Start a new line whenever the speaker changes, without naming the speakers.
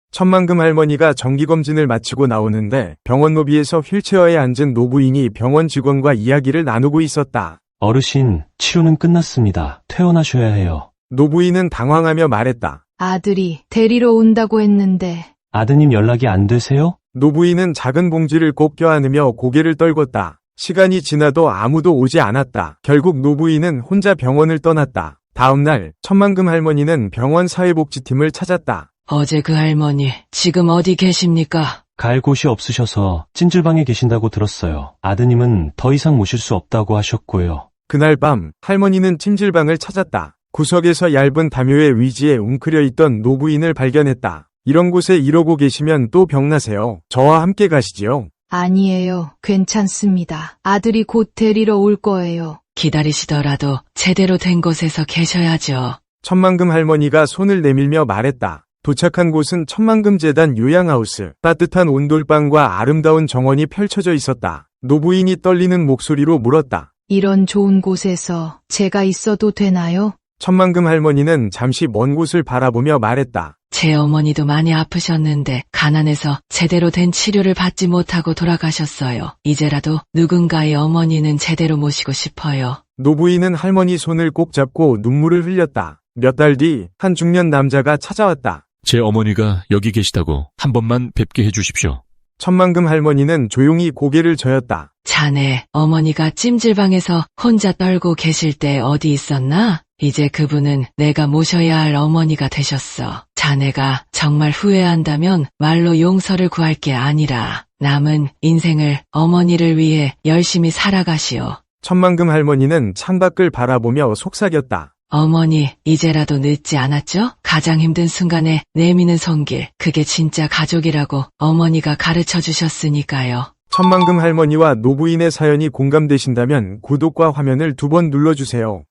천만금 할머니가 정기검진을 마치고 나오는데 병원 로비에서 휠체어에 앉은 노부인이 병원 직원과 이야기를 나누고 있었다.
어르신, 치료는 끝났습니다. 퇴원하셔야 해요.
노부인은 당황하며 말했다.
아들이 데리러 온다고 했는데.
아드님 연락이 안 되세요?
노부인은 작은 봉지를 꼭 껴안으며 고개를 떨궜다. 시간이 지나도 아무도 오지 않았다. 결국 노부인은 혼자 병원을 떠났다. 다음날 천만금 할머니는 병원 사회복지팀을 찾았다.
어제 그 할머니 지금 어디 계십니까?
갈 곳이 없으셔서 찜질방에 계신다고 들었어요. 아드님은 더 이상 모실 수 없다고 하셨고요.
그날 밤 할머니는 찜질방을 찾았다. 구석에서 얇은 담요의 위지에 웅크려 있던 노부인을 발견했다. 이런 곳에 이러고 계시면 또 병나세요. 저와 함께 가시지요.
아니에요. 괜찮습니다. 아들이 곧 데리러 올 거예요.
기다리시더라도 제대로 된 곳에서 계셔야죠.
천만금 할머니가 손을 내밀며 말했다. 도착한 곳은 천만금 재단 요양하우스. 따뜻한 온돌방과 아름다운 정원이 펼쳐져 있었다. 노부인이 떨리는 목소리로 물었다.
이런 좋은 곳에서 제가 있어도 되나요?
천만금 할머니는 잠시 먼 곳을 바라보며 말했다.
제 어머니도 많이 아프셨는데 가난해서 제대로 된 치료를 받지 못하고 돌아가셨어요. 이제라도 누군가의 어머니는 제대로 모시고 싶어요.
노부인은 할머니 손을 꼭 잡고 눈물을 흘렸다. 몇 달 뒤 한 중년 남자가 찾아왔다.
제 어머니가 여기 계시다고 한 번만 뵙게 해주십시오.
천만금 할머니는 조용히 고개를 저었다.
자네 어머니가 찜질방에서 혼자 떨고 계실 때 어디 있었나? 이제 그분은 내가 모셔야 할 어머니가 되셨어. 자네가 정말 후회한다면 말로 용서를 구할 게 아니라 남은 인생을 어머니를 위해 열심히 살아가시오.
천만금 할머니는 창밖을 바라보며 속삭였다.
어머니, 이제라도 늦지 않았죠? 가장 힘든 순간에 내미는 손길, 그게 진짜 가족이라고 어머니가 가르쳐 주셨으니까요.
천만금 할머니와 노부인의 사연이 공감되신다면 구독과 화면을 2번 눌러주세요.